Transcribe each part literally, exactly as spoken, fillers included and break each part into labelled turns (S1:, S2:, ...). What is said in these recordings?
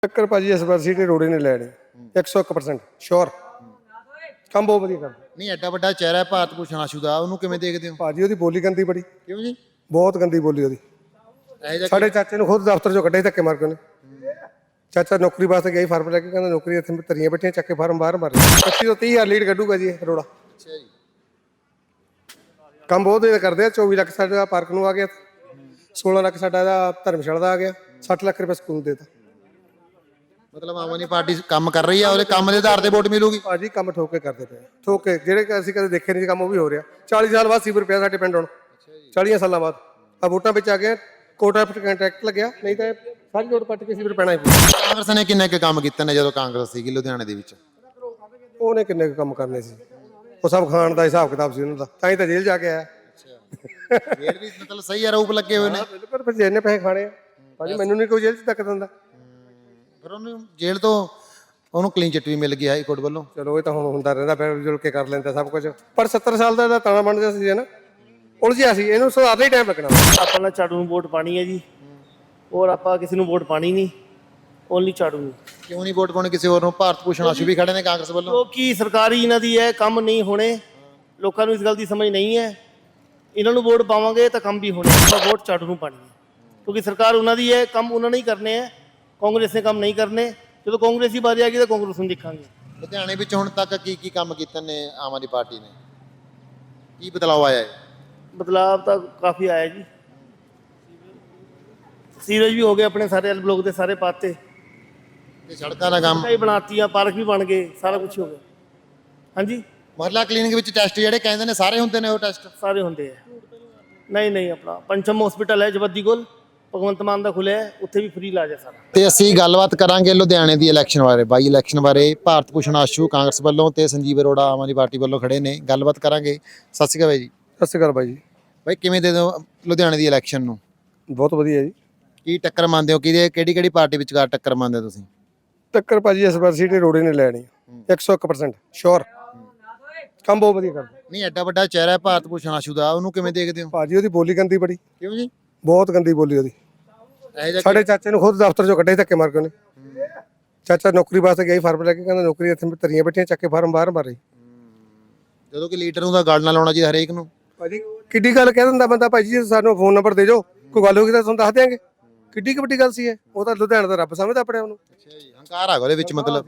S1: टक्कर भाजी इस बार सीटे रोड़े ने लैनी एक सौ एक परसेंट श्योर ਕੰਮ ਬਹੁਤ ਵਧੀਆ ਕਰਦਾ।
S2: ਨਹੀਂ ਐਡਾ ਵੱਡਾ ਚਿਹਰਾ ਹੈ ਭਾਰਤ ਭੂਸ਼ਣ ਆਸ਼ੂ ਦਾ, ਉਹਨੂੰ ਕਿਵੇਂ ਦੇਖਦੇ ਹੋ?
S1: ਭਾਜੀ ਉਹਦੀ ਬੋਲੀ ਗੰਦੀ ਬੜੀ,
S2: ਕਿਉਂ ਜੀ?
S1: ਬਹੁਤ ਗੰਦੀ ਬੋਲੀ ਉਹਦੀ।
S2: ਇਹੋ ਜਿਹਾ
S1: ਸਾਡੇ ਚਾਚੇ ਨੂੰ ਖੁਦ ਦਫ਼ਤਰ ਚੋਂ ਕੱਢੇ ਧੱਕੇ ਮਾਰ ਕੇ ਉਹਨੇ। ਚਾਚਾ ਨੌਕਰੀ ਵਾਸਤੇ ਗਿਆ ਫਾਰਮ ਲੈ ਕੇ, ਕਹਿੰਦਾ ਨੌਕਰੀ ਇੱਥੇ ਧਰੀਆਂ ਬੈਠੀਆਂ, ਚੱਕੇ ਫਾਰਮ ਬਾਹਰ ਮਾਰੇ। ਪੱਚੀ ਤੋਂ ਤੀਹ ਹਜ਼ਾਰ ਲੀਡ ਕੱਢੂਗਾ ਜੀ ਇਹ ਰੋੜਾ।
S2: ਅੱਛਾ ਜੀ।
S1: ਕੰਮ ਬਹੁਤ ਵਧੀਆ ਕਰਦੇ ਆ। ਚੌਵੀ ਲੱਖ ਸਾਡਾ ਪਾਰਕ ਨੂੰ ਆ ਗਿਆ, ਸੋਲਾਂ ਲੱਖ ਸਾਡਾ ਇਹਦਾ ਧਰਮਸ਼ਾਲਾ ਦਾ ਆ ਗਿਆ, ਸੱਠ ਲੱਖ ਰੁਪਏ ਸਕੂਲ ਦੇ ਤਾ।
S2: ਮਤਲਬ ਆਮ ਆਦਮੀ ਪਾਰਟੀ ਕੰਮ ਕਰ ਰਹੀ ਆ, ਉਹਦੇ ਕੰਮ ਦੇ ਆਧਾਰ ਤੇ ਵੋਟ ਮਿਲੂਗੀ।
S1: ਭਾਜੀ ਕੰਮ ਠੋਕ ਕੇ ਕਰਦੇ ਪਏ, ਠੋਕ ਕੇ ਜਿਹੜੇ ਅਸੀਂ ਕਦੇ ਦੇਖੇ ਨਹੀਂ ਕੰਮ ਉਹ ਵੀ ਹੋ ਰਿਹਾ। ਚਾਲੀ ਸਾਲ ਬਾਅਦ ਸੀਵਰ ਪਿਆ ਸਾਡੇ ਪਿੰਡ ਹੁਣ, ਚਾਲੀਆਂ ਸਾਲਾਂ ਬਾਅਦ ਆ ਵੋਟਾਂ ਵਿੱਚ ਆ ਗਿਆ। ਕੋਟਾ ਕੰਟਰੈਕਟ ਲੱਗਿਆ, ਨਹੀਂ ਤਾਂ ਸਾਰੀ ਵੋਟ ਪੱਟ ਕੇ ਸੀਵਰ ਪੈਣਾ ਹੀ ਪਊ।
S2: ਕਾਂਗਰਸ ਨੇ ਕਿੰਨੇ ਕੁ ਕੰਮ ਕੀਤੇ ਨੇ ਜਦੋਂ ਕਾਂਗਰਸ ਸੀਗੀ ਲੁਧਿਆਣੇ ਦੇ ਵਿੱਚ?
S1: ਉਹਨੇ ਕਿੰਨੇ ਕੁ ਕੰਮ ਕਰਨੇ ਸੀ, ਉਹ ਸਭ ਖਾਣ ਦਾ ਹਿਸਾਬ ਕਿਤਾਬ ਸੀ ਉਹਨਾਂ ਦਾ, ਤਾਂ ਹੀ ਤਾਂ ਜੇਲ੍ਹ ਜਾ ਕੇ ਆਇਆ।
S2: ਫੇਰ ਵੀ ਮਤਲਬ ਸਹੀ ਆਰੋਪ ਲੱਗੇ ਹੋਏ ਨੇ।
S1: ਬਿਲਕੁਲ, ਫਿਰ ਜਿੰਨੇ ਪੈਸੇ ਖਾਣੇ ਆ ਭਾਜੀ, ਮੈਨੂੰ ਨਹੀਂ ਕੋਈ ਜੇਲ੍ਹ 'ਚ ਧੱਕ ਦਿੰਦਾ।
S2: ਫਿਰ ਉਹਨੂੰ ਜੇਲ੍ਹ ਤੋਂ ਉਹਨੂੰ ਕਲੀਨ ਚਿੱਟ ਵੀ ਮਿਲ ਗਈ ਹਾਈ ਕੋਰਟ ਵੱਲੋਂ।
S1: ਚਲੋ ਇਹ ਤਾਂ ਹੁਣ ਹੁੰਦਾ ਰਹਿੰਦਾ, ਫਿਰ ਜੁਲ ਕੇ ਕਰ ਲੈਂਦਾ ਸਭ ਕੁਝ। ਪਰ ਸੱਤਰ ਸਾਲ ਦਾ ਤਾਣਾ ਬਣ ਗਿਆ ਸੀ ਨਾ, ਉਲਝਿਆ ਸੀ, ਇਹਨੂੰ ਸੁਧਾਰਨ ਹੀ ਟਾਈਮ ਲੱਗਣਾ।
S3: ਆਪਾਂ ਨੇ ਝਾੜੂ ਨੂੰ ਵੋਟ ਪਾਣੀ ਹੈ ਜੀ, ਔਰ ਆਪਾਂ ਕਿਸੇ ਨੂੰ ਵੋਟ ਪਾਣੀ ਨਹੀਂ, ਓਨਲੀ ਝਾੜੂ ਨੂੰ।
S2: ਕਿਉਂ ਨਹੀਂ ਵੋਟ ਪਾਉਣੀ ਕਿਸੇ ਹੋਰ ਨੂੰ? ਭਾਰਤ ਭੂਸ਼ਣ ਆਸ਼ੂ ਵੀ ਖੜੇ ਨੇ ਕਾਂਗਰਸ ਵੱਲੋਂ।
S3: ਕਿਉਂਕਿ ਸਰਕਾਰੀ ਇਹਨਾਂ ਦੀ ਹੈ, ਕੰਮ ਨਹੀਂ ਹੋਣੇ। ਲੋਕਾਂ ਨੂੰ ਇਸ ਗੱਲ ਦੀ ਸਮਝ ਨਹੀਂ ਹੈ। ਇਹਨਾਂ ਨੂੰ ਵੋਟ ਪਾਵਾਂਗੇ ਤਾਂ ਕੰਮ ਵੀ ਹੋਣੇ। ਆਪਾਂ ਵੋਟ ਝਾੜੂ ਨੂੰ ਪਾਣੀ ਹੈ, ਕਿਉਂਕਿ ਸਰਕਾਰ ਉਹਨਾਂ ਦੀ ਹੈ, ਕੰਮ ਉਹਨਾਂ ਨੇ ਹੀ ਕਰਨੇ ਹੈ। ਕਾਂਗਰਸ ਨੇ ਕੰਮ ਨਹੀਂ ਕਰਨੇ। ਜਦੋਂ ਕਾਂਗਰਸ ਦੀ ਵਾਰੀ ਆ ਗਈ ਤਾਂ ਕਾਂਗਰਸ ਨੂੰ ਦੇਖਾਂਗੇ।
S2: ਲੁਧਿਆਣੇ ਵਿੱਚ ਹੁਣ ਤੱਕ ਕੀ ਕੀ ਕੰਮ ਕੀਤੇ ਨੇ ਆਮ ਆਦਮੀ ਪਾਰਟੀ ਨੇ? ਕੀ ਬਦਲਾਅ ਆਇਆ ਹੈ?
S3: ਬਦਲਾਅ ਤਾਂ ਕਾਫੀ ਆਇਆ ਜੀ। ਸੀਵਰੇਜ ਵੀ ਹੋ ਗਏ ਆਪਣੇ, ਸਾਰੇ ਐਲ ਬਲੋਕ ਦੇ ਸਾਰੇ ਪਾਤੇ,
S2: ਤੇ ਸੜਕਾਂ ਦਾ ਕੰਮ
S3: ਕਈ ਬਣਾਤੀਆਂ, ਪਾਰਕ ਵੀ ਬਣ ਗਏ, ਸਾਰਾ ਕੁਝ ਹੋ ਗਿਆ। ਹਾਂਜੀ,
S2: ਮਹੱਲਾ ਕਲੀਨਿਕ ਵਿੱਚ ਟੈਸਟ ਜਿਹੜੇ ਕਹਿੰਦੇ ਨੇ ਸਾਰੇ ਹੁੰਦੇ ਨੇ ਉਹ ਟੈਸਟ?
S3: ਸਾਰੇ ਹੁੰਦੇ ਆ। ਨਹੀਂ ਨਹੀਂ, ਆਪਣਾ ਪੰਚਮ ਹਸਪੀਟਲ ਹੈ ਜਵੱਦੀ ਕੋਲ, ਭਗਵੰਤ ਮਾਨ ਦਾ ਖੁੱਲਿਆ, ਉੱਥੇ ਵੀ ਫ੍ਰੀ ਇਲਾਜ ਹੈ ਸਾਰਾ।
S2: ਤੇ ਅਸੀਂ ਗੱਲਬਾਤ ਕਰਾਂਗੇ ਲੁਧਿਆਣੇ ਦੀ ਇਲੈਕਸ਼ਨ ਬਾਰੇ, ਬਾਈ ਇਲੈਕਸ਼ਨ ਬਾਰੇ। ਭਾਰਤ ਭੂਸ਼ਣ ਆਸ਼ੂ ਕਾਂਗਰਸ ਵੱਲੋਂ ਤੇ ਸੰਜੀਵ ਅਰੋੜਾ ਆਮ ਆਦਮੀ ਪਾਰਟੀ ਵੱਲੋਂ ਖੜੇ ਨੇ, ਗੱਲਬਾਤ ਕਰਾਂਗੇ। ਸਤਿ ਸ਼੍ਰੀ ਅਕਾਲ ਬਾਈ ਜੀ।
S1: ਸਤਿ ਸ਼੍ਰੀ ਅਕਾਲ ਬਾਈ ਜੀ।
S2: ਬਾਈ ਕਿਵੇਂ ਦੇ ਦਿਓ ਲੁਧਿਆਣੇ ਦੀ ਇਲੈਕਸ਼ਨ ਨੂੰ?
S1: ਬਹੁਤ ਵਧੀਆ ਜੀ।
S2: ਕੀ ਟੱਕਰ ਮੰਨਦੇ ਹੋ? ਕਿਹਦੇ ਕਿਹੜੀ ਕਿਹੜੀ ਪਾਰਟੀ ਵਿਚਕਾਰ ਟੱਕਰ ਮੰਨਦੇ ਹੋ ਤੁਸੀਂ?
S1: ਟੱਕਰ ਭਾਜੀ ਇਸ ਵਾਰ ਸੀਟੇ ਰੋੜੇ ਨੇ ਲੈਣੀ ਇੱਕ ਸੌ ਇੱਕ ਪਰਸੈਂਟ ਸ਼ੋਰ। ਕੰਮ ਬਹੁਤ ਵਧੀਆ ਕਰਦਾ।
S2: ਨਹੀਂ ਐਡਾ ਵੱਡਾ ਚਿਹਰਾ ਹੈ ਭਾਰਤ ਭੂਸ਼ਣ ਆਸ਼ੂ ਦਾ, ਉਹਨੂੰ ਕਿਵੇਂ ਦੇਖਦੇ ਹੋ?
S1: ਭਾਜੀ ਉਹਦੀ ਬੋਲੀ ਗੰਦੀ ਬੜੀ,
S2: ਕਿਉਂ ਜੀ?
S1: ਬਹੁਤ ਗੰਦੀ ਬੋਲੀ ਉਹਦੀ।
S2: ਇਹੋ ਜਿਹਾ
S1: ਸਾਡੇ ਚਾਚੇ ਨੂੰ ਖੁਦ ਦਫ਼ਤਰ ਚੋਂ ਕੱਢੇ ਧੱਕੇ ਮਾਰ ਕੇ ਉਹਨੇ। ਚਾਚਾ ਨੌਕਰੀ ਵਾਸਤੇ ਗਿਆ ਫਾਰਮ ਲੈ ਕੇ, ਕਹਿੰਦਾ ਨੌਕਰੀ ਇੱਥੇ ਧਰੀਆਂ ਬੈਠੀਆਂ, ਚੱਕੇ ਫਾਰਮ ਬਾਹਰ ਮਾਰੇ।
S2: ਜਦੋਂ ਕਿ ਲੀਡਰ ਨੂੰ ਤਾਂ ਗੱਲ ਨਾ ਲਾਉਣਾ ਚਾਹੀਦਾ ਹਰੇਕ ਨੂੰ।
S1: ਭਾਜੀ ਕਿੱਡੀ ਗੱਲ ਕਹਿ ਦਿੰਦਾ ਬੰਦਾ, ਭਾਜੀ ਜੀ ਸਾਨੂੰ ਫੋਨ ਨੰਬਰ ਦੇ ਜਾਓ, ਕੋਈ ਗੱਲ ਹੋਗੀ ਤਾਂ ਤੁਹਾਨੂੰ ਦੱਸ ਦਿਆਂਗੇ। ਕਿੱਡੀ ਕੁ ਵੱਡੀ ਗੱਲ ਸੀ ਇਹ। ਉਹ ਤਾਂ ਲੁਧਿਆਣਾ ਦਾ ਰੱਬ ਸਮਝਦਾ ਆਪਣੇ ਉਹਨੂੰ।
S2: ਅੱਛਾ ਜੀ, ਹੰਕਾਰ ਆ ਉਹਦੇ ਵਿੱਚ ਮਤਲਬ।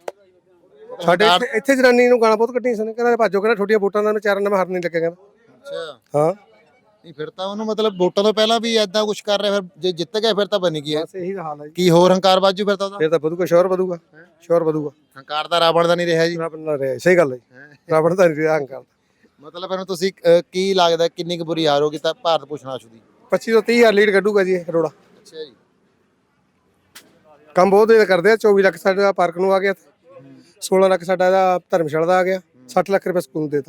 S1: ਸਾਡੇ ਇੱਥੇ ਇੱਥੇ ਜਨਾਨੀ ਨੂੰ ਗਾਲਾਂ ਬਹੁਤ ਕੱਢੀਆਂ ਸੀ, ਕਹਿੰਦਾ ਭਾਜੋ, ਕਹਿੰਦਾ ਛੋਟੀਆਂ ਵੋਟਾਂ ਦਾ ਚਾਰਾਂ ਨੰਬਰ ਹਰਨ ਨਹੀਂ ਲੱਗੇ, ਕਹਿੰਦਾ।
S2: ਅੱਛਾ
S1: ਹਾਂ,
S2: ਨਹੀਂ ਫਿਰ ਤਾਂ ਉਹਨੂੰ ਮਤਲਬ ਵੋਟਾਂ ਤੋਂ ਪਹਿਲਾਂ ਵੀ ਐਦਾਂ ਕੁਝ ਕਰ ਰਿਹਾ, ਫਿਰ ਜੇ ਜਿੱਤ ਗਿਆ ਫਿਰ ਤਾਂ ਬਣੀ ਕੀ ਹੈ?
S1: ਬਸ ਇਹੀ ਹਾਲ ਹੈ ਜੀ।
S2: ਕੀ ਹੋਰ ਹੰਕਾਰ ਬਾਜੂ ਫਿਰ ਤਾਂ ਉਹਦਾ?
S1: ਫਿਰ ਤਾਂ ਵਧੂਗਾ, ਸ਼ੋਰ ਵਧੂਗਾ, ਸ਼ੋਰ ਵਧੂਗਾ।
S2: ਹੰਕਾਰ ਦਾ ਰਾਵਣ ਦਾ ਨਹੀਂ ਰਿਹਾ ਜੀ।
S1: ਰਾਵਣ ਦਾ ਰਿਹਾ, ਸਹੀ ਗੱਲ ਹੈ ਜੀ। ਰਾਵਣ ਦਾ ਨਹੀਂ ਰਿਹਾ ਹੰਕਾਰ।
S2: ਮਤਲਬ ਫਿਰ ਤੁਸੀਂ ਅਹ, ਕੀ ਲੱਗਦਾ ਕਿੰਨੀ ਕੁ ਬੁਰੀ ਹਾਰ ਹੋਗੀ ਤਾਂ ਭਾਰਤ ਭੂਸ਼ਣ ਆਸ਼ੂ ਦੀ?
S1: ਪੱਚੀ ਤੋਂ ਤੀਹ ਹਜ਼ਾਰ ਲੀਡ ਕੱਢੂਗਾ ਜੀ ਇਹ ਰੋੜਾ।
S2: ਅੱਛਾ ਜੀ।
S1: ਕੰਮ ਬਹੁਤ ਵਧੀਆ ਕਰਦੇ ਆ। ਚੌਵੀ ਲੱਖ ਸਾਡਾ ਪਾਰਕ ਨੂੰ ਆ ਗਿਆ, ਸੋਲਾਂ ਲੱਖ ਸਾਡਾ ਇਹਦਾ ਧਰਮਸ਼ਾਲਾ ਦਾ ਆ ਗਿਆ, ਸੱਠ ਲੱਖ ਰੁਪਏ ਸਕੂਲ ਦੇ ਤਾ।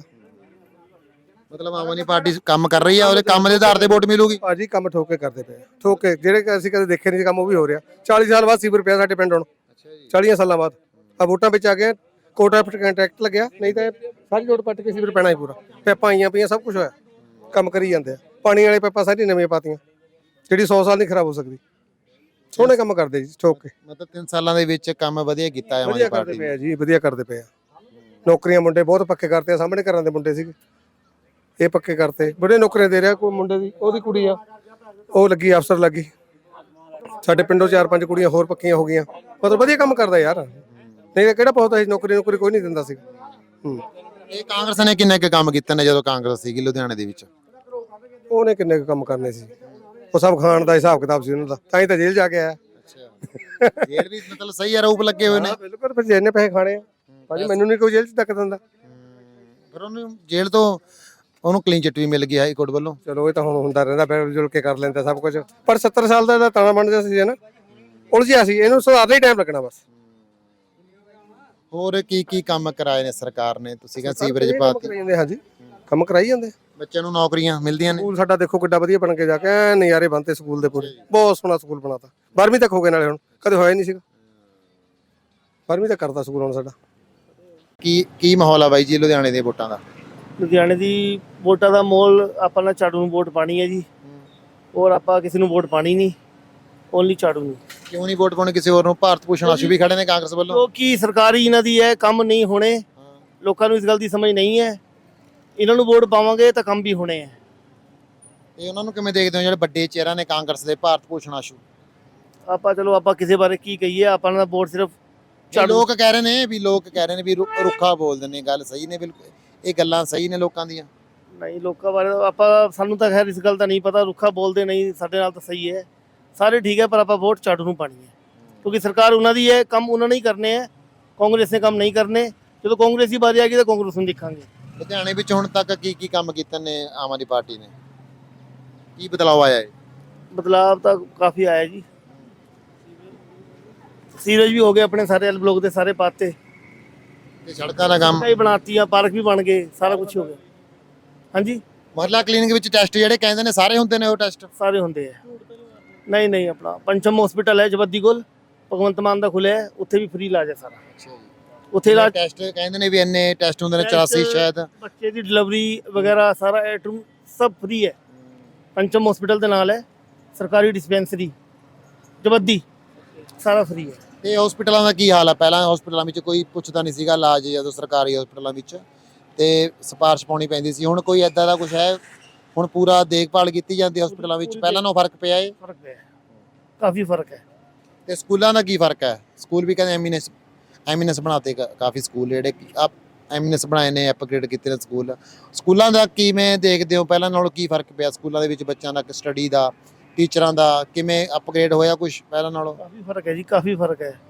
S2: ਮਤਲਬ ਆਮ ਆਦਮੀ ਪਾਰਟੀ ਕੰਮ ਕਰ ਰਹੀ ਆ, ਉਹਦੇ ਕੰਮ ਦੇ ਆਧਾਰ ਤੇ ਵੋਟ ਮਿਲੂਗੀ।
S1: ਭਾਜੀ ਕੰਮ ਠੋਕ ਕੇ ਕਰਦੇ ਪਏ, ਠੋਕ ਕੇ ਜਿਹੜੇ ਅਸੀਂ ਕਦੇ ਦੇਖੇ ਨਹੀਂ ਕੰਮ ਉਹ ਵੀ ਹੋ ਰਿਹਾ। ਚਾਲੀ ਸਾਲ ਬਾਅਦ ਸੀਵਰ ਪਿਆ ਸਾਡੇ ਪਿੰਡ ਹੁਣ, ਚਾਲੀਆਂ ਸਾਲਾਂ ਬਾਅਦ ਆ ਵੋਟਾਂ ਵਿੱਚ ਆ ਗਿਆ। ਕੋਟਾ ਕੰਟਰੈਕਟ ਲੱਗਿਆ, ਨਹੀਂ ਤਾਂ ਸਾਰੀ ਰੋਡ ਪੱਟ ਕੇ ਸੀਵਰ ਪੈਣਾ ਹੀ ਪੂਰਾ। ਪੈਪਾਂ ਆਈਆਂ ਪਈਆਂ, ਸਭ ਕੁਝ ਹੋਇਆ, ਕੰਮ ਕਰੀ ਜਾਂਦੇ ਆ। ਪਾਣੀ ਵਾਲੇ ਪੈਪਾਂ ਸਾਰੀ ਨਵੀਆਂ ਪਾਤੀਆਂ, ਜਿਹੜੀ ਸੌ ਸਾਲ ਨਹੀਂ ਖਰਾਬ ਹੋ ਸਕਦੀ। ਸੋਹਣੇ ਕੰਮ ਕਰਦੇ ਜੀ ਠੋਕ ਕੇ।
S2: ਮਤਲਬ ਤਿੰਨ ਸਾਲਾਂ ਦੇ ਵਿੱਚ ਕੰਮ ਵਧੀਆ ਕੀਤਾ ਹੈ ਆਮ
S1: ਵਧੀਆ
S2: ਆਦਮੀ
S1: ਕਰਦੇ
S2: ਪਾਰਟੀ
S1: ਪਏ ਆ ਜੀ, ਵਧੀਆ ਕਰਦੇ ਪਏ ਆ। ਨੌਕਰੀਆਂ ਮੁੰਡੇ ਬਹੁਤ ਪੱਕੇ ਕਰਤੇ ਆ, ਸਾਹਮਣੇ ਘਰਾਂ ਦੇ ਮੁੰਡੇ ਸੀਗੇ, ਇਹ ਪੱਕੇ ਕਰਤੇ। ਬੜੇ ਨੌਕਰੀਆਂ ਦੇ ਰਿਹਾ। ਕੋਈ ਮੁੰਡੇ ਦੀ ਉਹਦੀ ਕੁੜੀ ਆ, ਉਹ ਲੱਗੀ ਅਫਸਰ ਲੱਗੀ। ਸਾਡੇ ਪਿੰਡੋਂ ਚਾਰ ਪੰਜ ਕੁੜੀਆਂ ਹੋਰ ਪੱਕੀਆਂ ਹੋ ਗਈਆਂ। ਮਤਲਬ ਵਧੀਆ ਕੰਮ ਕਰਦਾ ਯਾਰ, ਨਹੀਂ ਤਾਂ ਕਿਹੜਾ ਬਹੁਤ ਸੀ ਨੌਕਰੀ ਨੌਕਰੀ ਕੋਈ ਨਹੀਂ ਦਿੰਦਾ ਸੀ। ਹੂੰ,
S2: ਇਹ ਕਾਂਗਰਸ ਨੇ ਕਿੰਨੇ ਕੁ ਕੰਮ ਕੀਤੇ ਨੇ ਜਦੋਂ ਕਾਂਗਰਸ ਸੀਗੀ ਲੁਧਿਆਣੇ ਦੇ ਵਿੱਚ?
S1: ਉਹਨੇ ਕਿੰਨੇ ਕੁ ਕੰਮ ਕਰਨੇ ਸੀ, ਉਹ ਸਭ ਖਾਣ ਦਾ ਹਿਸਾਬ ਕਿਤਾਬ ਸੀ ਉਹਨਾਂ ਦਾ, ਤਾਂ ਹੀ ਤਾਂ ਜੇਲ੍ਹ ਜਾ ਕੇ ਆਇਆ।
S2: ਅੱਛਾ, ਜੇਲ੍ਹ ਵੀ ਮਤਲਬ ਸਹੀ ਆਰੋਪ ਲੱਗੇ ਹੋਏ ਨੇ।
S1: ਬਿਲਕੁਲ, ਫਿਰ ਜਿੰਨੇ ਪੈਸੇ ਖਾਣੇ ਆ ਭਾਜੀ, ਮੈਨੂੰ ਨਹੀਂ ਕੋਈ ਜੇਲ੍ਹ 'ਚ ਧੱਕ ਦਿੰਦਾ।
S2: ਫਿਰ ਉਹਨੂੰ ਜੇਲ੍ਹ ਤੋਂ ਉਹਨੂੰ ਕਲੀਨ ਚਿੱਟ ਵੀ ਮਿਲ ਗਈ ਹਾਈ ਕੋਰਟ ਵੱਲੋਂ।
S1: ਚਲੋ ਇਹ ਤਾਂ ਹੁਣ ਹੁੰਦਾ ਰਹਿੰਦਾ, ਫਿਰ ਜੁਲ ਕੇ ਕਰ ਲੈਂਦਾ ਸਭ ਕੁਝ। ਪਰ ਸੱਤਰ ਸਾਲ ਦਾ ਤਾਣਾ ਬਣ ਗਿਆ ਸੀ ਨਾ, ਉਲਝਿਆ ਸੀ, ਇਹਨੂੰ ਸੁਧਾਰਨ ਹੀ ਟਾਈਮ ਲੱਗਣਾ ਬਸ।
S2: ਹੋਰ ਕੀ ਕੀ ਕੰਮ ਕਰਾਏ ਨੇ ਸਰਕਾਰ ਨੇ? ਤੁਸੀਂ ਕਹਿੰਦੇ ਸੀਵਰੇਜ ਪਾਤੀ।
S1: ਹਾਂਜੀ, ਕੰਮ ਕਰਾਈ ਜਾਂਦੇ।
S2: ਬੱਚਿਆਂ ਨੂੰ ਨੌਕਰੀਆਂ ਮਿਲਦੀਆਂ ਨੇ।
S1: ਸਕੂਲ ਸਾਡਾ ਦੇਖੋ ਕਿੱਡਾ ਵਧੀਆ ਬਣ ਕੇ ਜਾ ਕੇ ਐਨ ਨਜ਼ਾਰੇ ਬਣਤੇ ਸਕੂਲ ਦੇ ਪੂਰੇ। ਬਹੁਤ ਸੋਹਣਾ ਸਕੂਲ ਬਣਾਤਾ, ਬਾਰਵੀਂ ਤੱਕ ਹੋ ਗਏ ਨਾਲੇ, ਹੁਣ ਕਦੇ ਹੋਇਆ ਨਹੀਂ ਸੀਗਾ। ਬਾਰਵੀਂ ਤੱਕ ਕਰਤਾ ਸਕੂਲ ਹੁਣ ਸਾਡਾ।
S2: ਕੀ ਕੀ ਮਾਹੌਲ ਆ ਬਾਈ ਜੀ ਲੁਧਿਆਣੇ ਦੇ ਵੋਟਾਂ ਦਾ?
S3: ਲੁਧਿਆਣੇ ਦੀ ਵੋਟਾਂ ਦਾ ਮੋਲ, ਆਪਾਂ ਨੇ ਝਾੜੂ ਨੂੰ ਵੋਟ ਪਾਣੀ ਹੈ ਜੀ, ਔਰ ਆਪਾਂ ਕਿਸੇ ਨੂੰ ਵੋਟ ਪਾਣੀ ਨਹੀਂ, ਓਨਲੀ ਝਾੜੂ ਨੂੰ।
S2: ਕਿਉਂ ਨਹੀਂ ਵੋਟ ਪਾਉਣੀ ਕਿਸੇ ਹੋਰ ਨੂੰ? ਭਾਰਤ ਭੂਸ਼ਣ ਆਸ਼ੂ ਵੀ ਖੜੇ ਨੇ ਕਾਂਗਰਸ ਵੱਲੋਂ।
S3: ਕਿਉਂਕਿ ਸਰਕਾਰੀ ਇਹਨਾਂ ਦੀ ਹੈ, ਕੰਮ ਨਹੀਂ ਹੋਣੇ। ਲੋਕਾਂ ਨੂੰ ਇਸ ਗੱਲ ਦੀ ਸਮਝ ਨਹੀਂ ਹੈ। ਇਹਨਾਂ ਨੂੰ ਵੋਟ ਪਾਵਾਂਗੇ ਤਾਂ ਕੰਮ ਵੀ ਹੋਣੇ ਹੈ।
S2: ਤੇ ਉਹਨਾਂ ਨੂੰ ਕਿਵੇਂ ਦੇਖਦੇ ਹੋ ਜਿਹੜੇ ਵੱਡੇ ਚਿਹਰਾ ਨੇ ਕਾਂਗਰਸ ਦੇ, ਭਾਰਤ ਭੂਸ਼ਣ ਆਸ਼ੂ?
S3: ਆਪਾਂ ਚਲੋ ਆਪਾਂ ਕਿਸੇ ਬਾਰੇ ਕੀ ਕਹੀਏ, ਆਪਾਂ ਦਾ ਵੋਟ ਸਿਰਫ
S2: ਇਹ ਲੋਕ ਕਹਿ ਰਹੇ ਨੇ ਵੀ ਲੋਕ ਕਹਿ ਰਹੇ ਨੇ ਵੀ ਰੁ- ਰੁੱਖਾ ਬੋਲਦੇ ਨੇ, ਗੱਲ ਸਹੀ ਨੇ ਬਿਲਕੁਲ, ਇਹ ਗੱਲਾਂ ਸਹੀ ਨੇ ਲੋਕਾਂ ਦੀਆਂ?
S3: ਨਹੀਂ, ਲੋਕਾਂ ਬਾਰੇ ਆਪਾਂ ਸਾਨੂੰ ਤਾਂ ਖੈਰ ਇਸ ਗੱਲ ਦਾ ਨਹੀਂ ਪਤਾ, ਰੁੱਖਾ ਬੋਲਦੇ ਨਹੀਂ, ਸਾਡੇ ਨਾਲ ਤਾਂ ਸਹੀ ਹੈ, ਸਾਰੇ ਠੀਕ ਹੈ, ਪਰ ਆਪਾਂ ਵੋਟ ਝਾੜੂ ਨੂੰ ਪਾਣੀ ਹੈ ਕਿਉਂਕਿ ਸਰਕਾਰ ਉਹਨਾਂ ਦੀ ਹੈ, ਕੰਮ ਉਹਨਾਂ ਨੇ ਹੀ ਕਰਨੇ ਹੈ। ਕਾਂਗਰਸ ਨੇ ਕੰਮ ਨਹੀਂ ਕਰਨੇ। ਜਦੋਂ ਕਾਂਗਰਸ ਦੀ ਵਾਰੀ ਆ ਗਈ ਤਾਂ ਕਾਂਗਰਸ ਨੂੰ ਦੇਖਾਂਗੇ।
S2: ਲੁਧਿਆਣੇ ਵਿੱਚ ਹੁਣ ਤੱਕ ਕੀ ਕੀ ਕੰਮ ਕੀਤੇ ਨੇ ਆਮ ਆਦਮੀ ਪਾਰਟੀ ਨੇ? ਕੀ ਬਦਲਾਅ ਆਇਆ ਹੈ?
S3: ਬਦਲਾਵ ਤਾਂ ਕਾਫੀ ਆਇਆ ਜੀ। ਸੀਵਰੇਜ ਵੀ ਹੋ ਗਏ ਆਪਣੇ, ਸਾਰੇ ਐਲ ਬਲੋਕ ਦੇ ਸਾਰੇ ਪਾਤੇ,
S2: ਤੇ ਸੜਕਾਂ ਦਾ ਕੰਮ?
S3: ਕਈ ਬਣਾਤੀਆਂ, ਪਾਰਕ ਵੀ ਬਣ ਗਏ, ਸਾਰਾ ਕੁਝ ਹੋ ਗਿਆ। ਹਾਂਜੀ,
S2: ਮੁਹੱਲਾ ਕਲੀਨਿਕ ਵਿੱਚ ਟੈਸਟ ਜਿਹੜੇ ਕਹਿੰਦੇ ਨੇ ਸਾਰੇ ਹੁੰਦੇ ਨੇ ਉਹ ਟੈਸਟ?
S3: ਸਾਰੇ ਹੁੰਦੇ ਆ। ਨਹੀਂ ਨਹੀਂ, ਆਪਣਾ ਪੰਚਮ ਹਸਪੀਟਲ ਹੈ ਜਵੱਦੀ ਕੋਲ, ਭਗਵੰਤ ਮਾਨ ਦਾ ਖੁੱਲਿਆ ਹੈ, ਉੱਥੇ ਵੀ ਫ੍ਰੀ ਇਲਾਜ ਹੈ ਸਾਰਾ। ਉੱਥੇ ਇਲਾਜ
S2: ਟੈਸਟ ਕਹਿੰਦੇ ਨੇ ਵੀ ਇੰਨੇ ਟੈਸਟ ਹੁੰਦੇ ਨੇ, ਚੁਰਾਸੀ ਸ਼ਾਇਦ।
S3: ਬੱਚੇ ਦੀ ਡਿਲੀਵਰੀ ਵਗੈਰਾ ਸਾਰਾ ਏ ਟੂ ਸਭ ਫ੍ਰੀ ਹੈ। ਪੰਚਮ ਹਸਪੀਟਲ ਦੇ ਨਾਲ ਹੈ, ਸਰਕਾਰੀ ਡਿਸਪੈਂਸਰੀ ਜਵੱਦੀ, ਸਾਰਾ ਫ੍ਰੀ ਹੈ।
S2: ਤੇ ਹਸਪੀਟਲਾਂ ਦਾ ਕੀ ਹਾਲ ਹੈ? ਪਹਿਲਾਂ ਹਸਪੀਟਲਾਂ ਵਿੱਚ ਕੋਈ ਪੁੱਛਦਾ ਨਹੀਂ ਸੀਗਾ ਇਲਾਜ, ਜਦੋਂ ਸਰਕਾਰੀ ਹਸਪੀਟਲਾਂ ਵਿੱਚ ਤੇ ਸਿਫਾਰਿਸ਼ ਪਾਉਣੀ ਪੈਂਦੀ ਸੀ, ਹੁਣ ਕੋਈ ਐਦਾਂ ਦਾ ਕੁਝ ਹੈ? ਹੁਣ ਪੂਰਾ ਦੇਖਭਾਲ ਕੀਤੀ ਜਾਂਦੀ ਹਸਪੀਟਲਾਂ ਵਿੱਚ? ਪਹਿਲਾਂ ਨਾਲੋਂ ਫਰਕ ਪਿਆ ਹੈ?
S3: ਫਰਕ ਹੈ, ਕਾਫੀ ਫਰਕ ਹੈ।
S2: ਤੇ ਸਕੂਲਾਂ ਦਾ ਕੀ ਫਰਕ ਹੈ? ਸਕੂਲ ਵੀ ਕਹਿੰਦੇ ਐਮੀਨੈਂਸ ਐਮੀਨੈਂਸ ਬਣਾਤੇ ਕਾ- ਕਾਫੀ ਸਕੂਲ ਜਿਹੜੇ ਆਪ ਐਮੀਨੈਂਸ ਬਣਾਏ ਨੇ, ਅਪਗ੍ਰੇਡ ਕੀਤੇ ਨੇ ਸਕੂਲ। ਸਕੂਲਾਂ ਦਾ ਕਿਵੇਂ ਦੇਖਦੇ ਹੋ? ਪਹਿਲਾਂ ਨਾਲੋਂ ਕੀ ਫਰਕ ਪਿਆ ਸਕੂਲਾਂ ਦੇ ਵਿੱਚ? ਬੱਚਿਆਂ ਦਾ ਸਟੱਡੀ ਦਾ, ਟੀਚਰਾਂ ਦਾ ਕਿਵੇਂ ਅਪਗ੍ਰੇਡ ਹੋਇਆ ਕੁਝ ਪਹਿਲਾਂ ਨਾਲੋਂ?
S3: ਕਾਫੀ ਫਰਕ ਹੈ ਜੀ, ਕਾਫੀ ਫਰਕ ਹੈ।